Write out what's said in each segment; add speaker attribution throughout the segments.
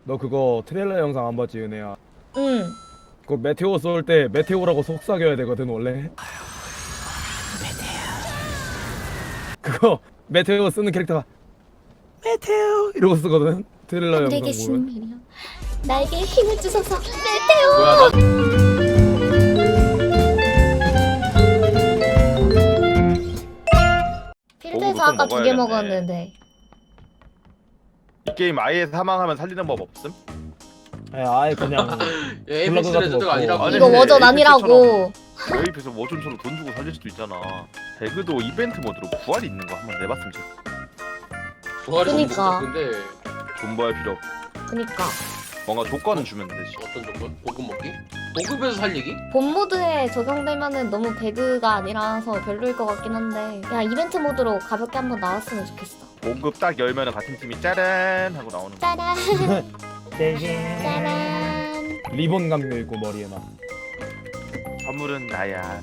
Speaker 1: 너 그거 트레일러 영상 안 봤지 은혜야?
Speaker 2: 응.
Speaker 1: 그거 메테오 쏠 때 메테오라고 속삭여야 되거든 원래. 그거 메테오 쓰는 캐릭터가 메테오 이러고 쓰거든. 트레일러 영상
Speaker 2: 내게
Speaker 1: 보면.
Speaker 2: 신비려. 나에게 힘을 주소서. 메테오.
Speaker 3: 뭐야 나
Speaker 2: 필드에서 아까 2개
Speaker 4: 먹어야겠네.
Speaker 2: 먹었는데.
Speaker 4: 이 게임 아예 사망하면 살리는 법 없음?
Speaker 1: 아예 그냥
Speaker 3: 에이펙스
Speaker 1: 블러그 같은
Speaker 3: 레전드가
Speaker 1: 거
Speaker 3: 아니라고.
Speaker 4: 아니,
Speaker 2: 이거
Speaker 4: 근데
Speaker 2: 워전 아니라고.
Speaker 4: 웨이프에서 워존처럼 돈 주고 살릴 수도 있잖아. 배그도 이벤트 모드로 부활이 있는 거 한번 내봤으면 좋겠어.
Speaker 3: 부활이 좀
Speaker 2: 그니까.
Speaker 3: 근데
Speaker 4: 존버할 필요 없고
Speaker 2: 그니까
Speaker 4: 뭔가 조건은 주면 되지.
Speaker 3: 어떤 정도? 보급 먹기? 보급에서 살리기?
Speaker 2: 본 모드에 적용되면은 너무 배그가 아니라서 별로일 것 같긴 한데 야 이벤트 모드로 가볍게 한번 나왔으면 좋겠어.
Speaker 4: 보급 딱 열면은 같은 팀이 짜란 하고 나오는 거.
Speaker 2: 짜란
Speaker 1: 떼게
Speaker 2: 짜란.
Speaker 1: 리본 감겨 있고 머리에 막.
Speaker 4: 선물은 나야.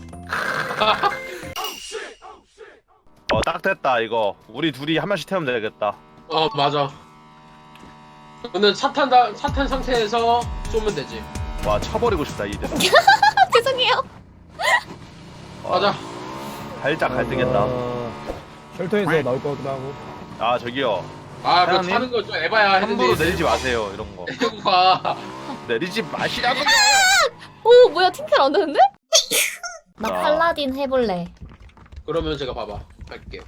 Speaker 4: 딱 됐다 이거. 우리 둘이 한 명씩 태우면 되겠다.
Speaker 3: 어 맞아. 근데 사탄 상태에서 쏘면 되지.
Speaker 4: 와 쳐버리고 싶다 이들.
Speaker 2: 죄송해요.
Speaker 3: 맞아.
Speaker 4: 살짝 갈등했다.
Speaker 1: 쉘터에서 나올 것 같기도 하고.
Speaker 4: 아 저기요.
Speaker 3: 아 그거
Speaker 4: 사장님?
Speaker 3: 타는 거 좀 에바야
Speaker 4: 함부로
Speaker 3: 했는데
Speaker 4: 내리지 마세요 이런 거.
Speaker 3: 내리고 가.
Speaker 4: 내리지 마시라고요.
Speaker 2: 오 뭐야 팀킬 안 되는데? 나
Speaker 4: 자.
Speaker 2: 팔라딘 해볼래.
Speaker 3: 그러면 제가 봐봐. 할게.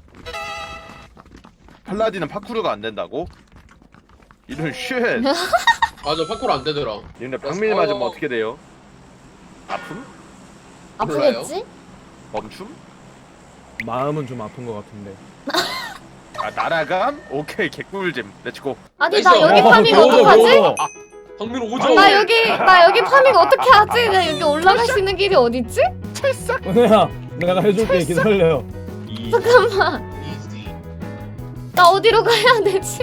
Speaker 4: 팔라딘은 파쿠르가 안 된다고? 이런 쉣.
Speaker 3: 맞아 파쿠르 안 되더라.
Speaker 4: 근데 박밀 맞으면 어떻게 돼요? 아픔?
Speaker 2: 아프겠지?
Speaker 4: 멈춤?
Speaker 1: 마음은 좀 아픈 것 같은데.
Speaker 4: 아 날아감? 오케이 개꿀잼. 렛츠고.
Speaker 2: 아니
Speaker 3: 나이스.
Speaker 2: 나 여기
Speaker 1: 어,
Speaker 2: 파밍
Speaker 1: 배워줘,
Speaker 2: 어떡하지?
Speaker 1: 배워줘.
Speaker 3: 박민호 오죠.
Speaker 2: 나 여기 파밍 어떻게 하지? 나 여기 올라갈 수 있는 길이 어딨지?
Speaker 1: 은혜야 내가 해줄게 기다려요.
Speaker 4: 이
Speaker 2: 잠깐만.
Speaker 3: 이지.
Speaker 2: 나 어디로 가야 되지?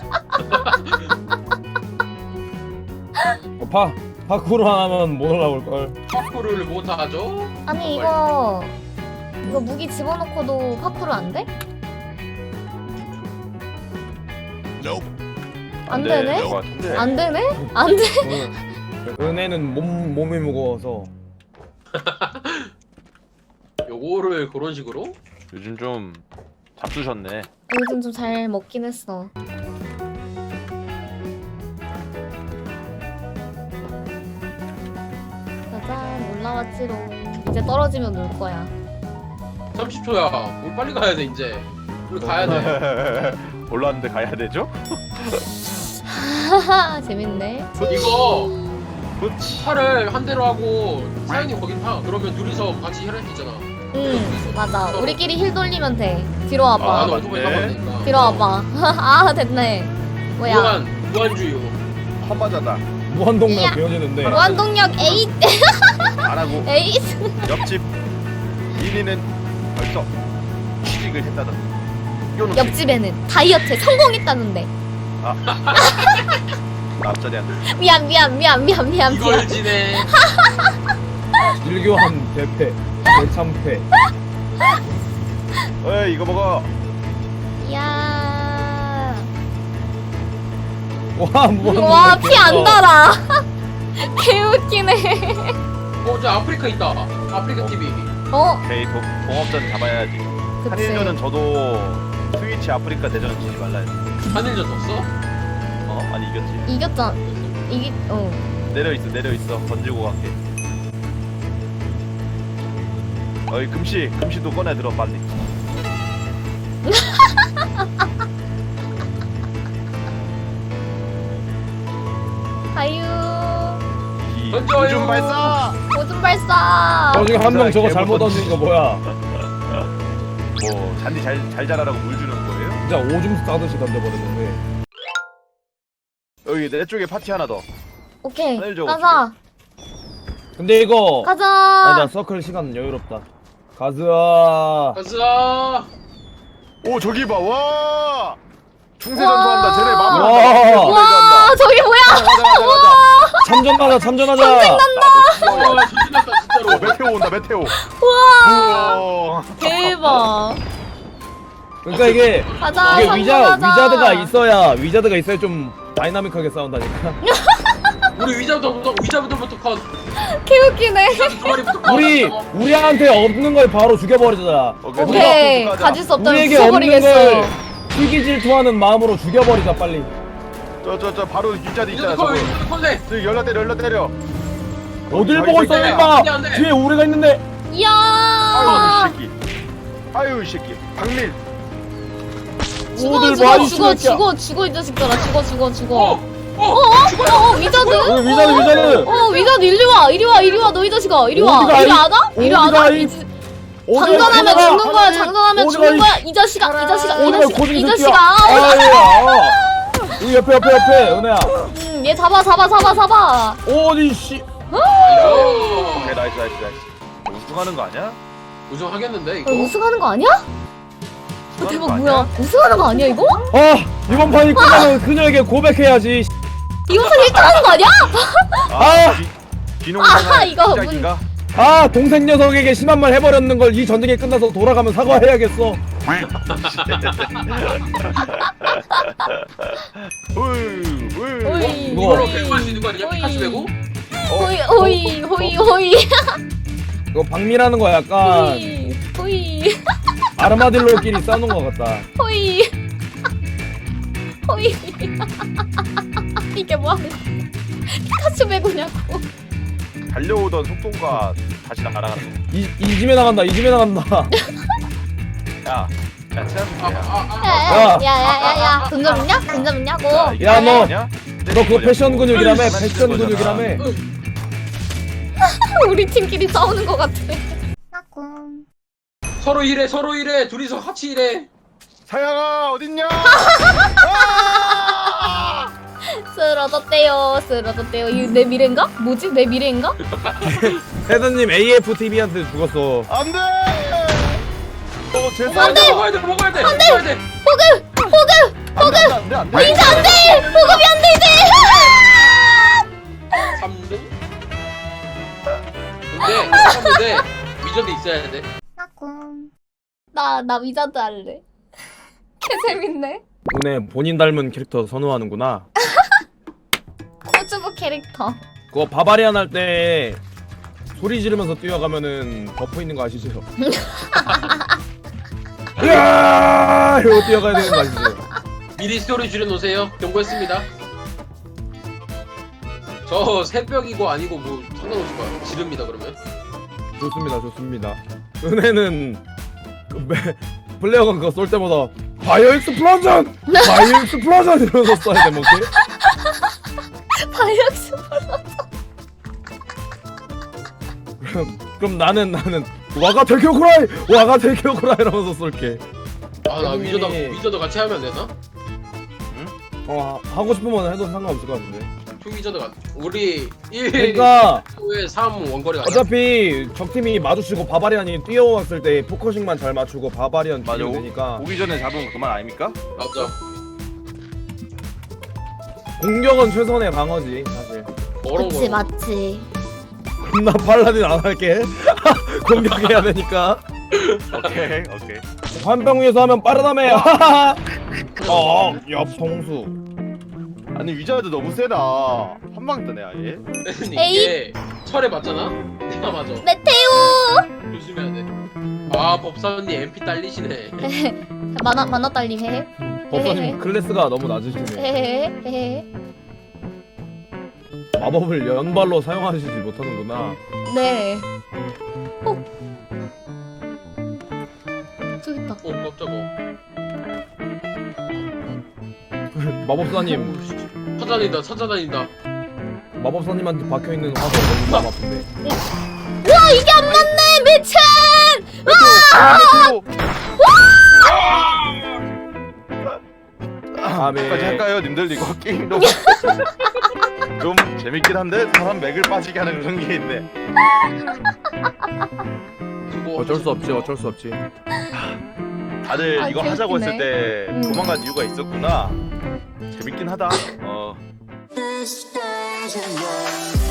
Speaker 1: 파쿠르 하나면 못 올라올 걸.
Speaker 3: 파쿠르를 못 하죠?
Speaker 2: 아니 이거 무기 집어넣고도 파쿠르 안 돼? 안 되네? 안 되네? 안 돼?
Speaker 1: 은혜는 몸이 무거워서.
Speaker 3: 요거를 그런 식으로?
Speaker 4: 요즘 좀 잡수셨네.
Speaker 2: 요즘 좀 잘 먹긴 했어. 짜잔 올라왔지롱. 이제 떨어지면 놀 거야.
Speaker 3: 30초야. 우리 빨리 가야 돼 이제. 우리 가야 돼.
Speaker 4: 올라왔는데 가야 되죠?
Speaker 2: 하하 재밌네.
Speaker 3: 이거
Speaker 4: 그렇지.
Speaker 3: 차를 한 대로 하고 사장님 거긴 타. 그러면 둘이서 같이 혈할 수 있잖아.
Speaker 2: 응 맞아. 우리끼리 힐 돌리면 돼. 뒤로
Speaker 3: 아,
Speaker 2: 와봐.
Speaker 3: 나도 오토바이
Speaker 4: 맞네.
Speaker 3: 타면 되니까.
Speaker 2: 뒤로 와봐. 아 됐네. 뭐야?
Speaker 3: 무한주요.
Speaker 4: 험하자다.
Speaker 1: 무한동력
Speaker 2: 이야.
Speaker 1: 배워지는데.
Speaker 2: 무한동력 에잇
Speaker 4: 안 하고
Speaker 2: 에잇.
Speaker 4: 옆집 1위는 벌써 취직을 했다던. 요놈
Speaker 2: 옆집에는 다이어트에 성공했다는데.
Speaker 4: 앞자리한테.
Speaker 2: 미안.
Speaker 3: 이걸 지네.
Speaker 1: 일교한 대패, 대참패.
Speaker 4: 어이 이거 먹어.
Speaker 2: 야.
Speaker 1: 와 무한동력.
Speaker 2: 와 피 안
Speaker 1: 배웠어.
Speaker 2: 달아. 개웃기네.
Speaker 3: 저 아프리카 있다. 아프리카 TV.
Speaker 2: 어?
Speaker 4: 오케이 동업전 잡아야지.
Speaker 2: 그치.
Speaker 4: 한일전은 저도 스위치 아프리카 대전 지지 말라 했어.
Speaker 3: 한일전 졌어?
Speaker 4: 아니 이겼지.
Speaker 2: 이겼잖아.
Speaker 4: 내려 있어. 던지고 갈게. 어이 금시도 꺼내 들어 빨리.
Speaker 2: 가유.
Speaker 3: 던져요.
Speaker 4: 우중 발사.
Speaker 2: 오줌 발사.
Speaker 1: 저 지금 한 명 저거
Speaker 4: 개못
Speaker 1: 잘못
Speaker 4: 던지지.
Speaker 1: 던진 거 뭐야?
Speaker 4: 뭐 잔디 잘 자라라고 물 주는 거예요?
Speaker 1: 진짜 오줌 싸듯이 던져버렸는데.
Speaker 4: 여기 내 쪽에 파티 하나 더.
Speaker 2: 오케이.
Speaker 4: 하늘 저거
Speaker 2: 가자.
Speaker 1: 근데 이거 나
Speaker 2: 가자.
Speaker 1: 서클 시간 여유롭다. 가즈아.
Speaker 3: 가자.
Speaker 4: 오 저기 봐. 와. 충세
Speaker 2: 와.
Speaker 4: 전투한다. 쟤네
Speaker 1: 와.
Speaker 4: 마무리한다.
Speaker 2: 와 저기 뭐야?
Speaker 1: 참전하자 참전하자.
Speaker 3: 와 조심했다 진짜로.
Speaker 4: 메테오 온다 메테오.
Speaker 2: 와
Speaker 4: 우와.
Speaker 2: 대박.
Speaker 1: 그러니까 이게
Speaker 2: 가자.
Speaker 1: 이게
Speaker 2: 삼촌 가자.
Speaker 1: 위자드가 있어야 좀 다이나믹하게 싸운다니까.
Speaker 3: 우리 위자부터 컷.
Speaker 2: 개웃기네.
Speaker 3: 두 마리부터 컷.
Speaker 1: 우리한테 없는 걸 바로 죽여버리자.
Speaker 2: 오케이. 가질 수 없다면
Speaker 1: 우리에게 없는
Speaker 2: 부숴버리겠어.
Speaker 1: 걸 희귀 질투하는 마음으로 죽여버리자 빨리.
Speaker 4: 저 바로 뒷자리 있잖아.
Speaker 3: 위자드
Speaker 4: 저거.
Speaker 3: 컷. 네.
Speaker 4: 저기 열라 때려.
Speaker 1: 어딜 보고 있어
Speaker 3: 새끼야.
Speaker 1: 임마.
Speaker 3: 안 돼, 안 돼.
Speaker 1: 뒤에 우리가 있는데.
Speaker 2: 이야.
Speaker 4: 아유 이 새끼. 박밀.
Speaker 1: 오늘 많이
Speaker 2: 죽어
Speaker 1: 죽였냐.
Speaker 2: 이 자식들아. 죽어.
Speaker 3: 죽어요.
Speaker 2: 위자드?
Speaker 1: 위자드.
Speaker 2: 위자드 이리 와 너 이 자식아. 이리 와
Speaker 1: 어디가
Speaker 2: 이리
Speaker 1: 이-
Speaker 2: 안 와? 이리 안 와? 장전하면
Speaker 1: 어디가
Speaker 2: 죽는 거야.
Speaker 1: 어디가
Speaker 2: 장전하면
Speaker 1: 이-
Speaker 2: 죽는 거야. 이 자식아.
Speaker 1: 고딩
Speaker 2: 이
Speaker 1: 새끼야.
Speaker 2: 자식아.
Speaker 1: 여기 옆에 은혜야.
Speaker 2: 얘 잡아.
Speaker 1: 어디 씨.
Speaker 4: 오케이 나이스. 우승하는 거 아니야?
Speaker 3: 우승하겠는데 이거.
Speaker 2: 우승하는 거 아니야?
Speaker 4: 우승하는
Speaker 2: 대박
Speaker 4: 거
Speaker 2: 뭐야?
Speaker 4: 아니야?
Speaker 2: 우승하는 거 아니야 이거?
Speaker 1: 이번 판이 끝나면 그녀에게 고백해야지.
Speaker 2: 이거 상 1등하는 거 아니야?
Speaker 4: 비농사가
Speaker 2: 이거
Speaker 4: 시작인가?
Speaker 1: 동생 녀석에게 심한 말 해버렸는 걸 이 전쟁이 끝나서 돌아가면 사과해야겠어.
Speaker 2: 오이.
Speaker 3: 이걸로 배구할 수 있는 거 아니야? 피카츄 배구?
Speaker 2: 호이.
Speaker 1: 이거 박미라는 거 약간
Speaker 2: 호이.
Speaker 1: 아르마딜로끼리 싸우는 거 같다.
Speaker 2: 호이. 이게 뭐하는 피카츄 배구냐고.
Speaker 4: 달려오던 속도가 다시 날아가는 거.
Speaker 1: 이 집에 나간다.
Speaker 4: 야 친한
Speaker 2: 야야야야야. 돈 좀 있냐고.
Speaker 1: 야, 너 그거 패션 근육이라며. 패션 근육이라며.
Speaker 2: 우리 팀끼리 싸우는 거 같아.
Speaker 3: 서로 일해. 둘이서 같이 일해.
Speaker 4: 사양아 어딨냐?
Speaker 2: 쓰러졌대요. 이거 내 미래인가? 뭐지? 내 미래인가?
Speaker 1: 헤드님 AFTV한테 죽었어.
Speaker 4: 안돼.
Speaker 3: 안 돼. 먹어야 돼.
Speaker 2: 호그.
Speaker 4: 안돼.
Speaker 2: 이제 안 돼. 호급이 안 돼 이제.
Speaker 3: 3등? 근데 위저드 있어야 돼.
Speaker 2: 나 위자드 할래. 개 재밌네.
Speaker 1: 은혜 본인 닮은 캐릭터 선호하는구나.
Speaker 2: 코즈부 캐릭터.
Speaker 1: 그거 바바리안 할 때 소리 지르면서 뛰어가면은 버프 있는 거 아시죠? 으아! 이러고 뛰어가야 되는 거 아시죠?
Speaker 3: 미리 스토리 줄여놓으세요. 경고했습니다. 저 새벽이고 아니고 뭐 상관없을 거야. 지릅니다 그러면.
Speaker 1: 좋습니다. 은혜는 플레이어가 그거 쏠 때마다 바이오 익스플로전 이러면서 써야 돼 뭐지?
Speaker 2: 바이ok스.
Speaker 1: 그럼 나는 와가 대교쿠라이 이러면서 쏠게.
Speaker 3: 나 위저드 같이 하면 안 되나?
Speaker 1: 하고 싶으면 해도 상관없을 것 같은데.
Speaker 3: 투 위저드 같. 우리 1,
Speaker 1: 그러니까
Speaker 3: 2에 3 원거리 가자.
Speaker 1: 어차피 적팀이 마주치고 바바리안이 뛰어왔을 때 포커싱만 잘 맞추고 바바리안
Speaker 4: 맞아.
Speaker 1: 죽이면 되니까
Speaker 4: 오기 전에 잡으면 그만 아닙니까?
Speaker 3: 맞아.
Speaker 1: 공격은 최선의 방어지 사실.
Speaker 3: 뭐런 거.
Speaker 2: 맞지.
Speaker 1: 나 팔라딘 안 할게. 공격해야 되니까.
Speaker 4: 오케이.
Speaker 1: 환병 위에서 하면 빠르다며. 옆통수.
Speaker 4: 아니 위자드 너무 세다. 한방 뜨네 아예.
Speaker 3: 이게 철에 맞잖아. 내가 맞아.
Speaker 2: 메테오.
Speaker 3: 조심해야 돼. 법사님 MP 딸리시네.
Speaker 2: 만화 딸림 해.
Speaker 1: 법사님 클래스가 너무 낮으시네.
Speaker 2: 헤헤헤.
Speaker 1: 마법을 연발로 사용하시지 못하는구나.
Speaker 2: 네. 저기 있다.
Speaker 3: 깜짝아.
Speaker 1: 마법사님
Speaker 3: 찾아다닌다.
Speaker 1: 마법사님한테 박혀있는 화가 너무 마음 아픈데.
Speaker 2: 와 이게 안 맞네 미친.
Speaker 4: 까지 할까요 님들? 이거 게임 좀 재밌긴 한데 사람 맥을 빠지게 하는 그런 게 있네.
Speaker 1: 어쩔 수 없지.
Speaker 4: 다들 이거 하자고
Speaker 2: 웃기네.
Speaker 4: 했을 때 도망간 이유가 있었구나. 재밌긴 하다.
Speaker 5: This doesn't work.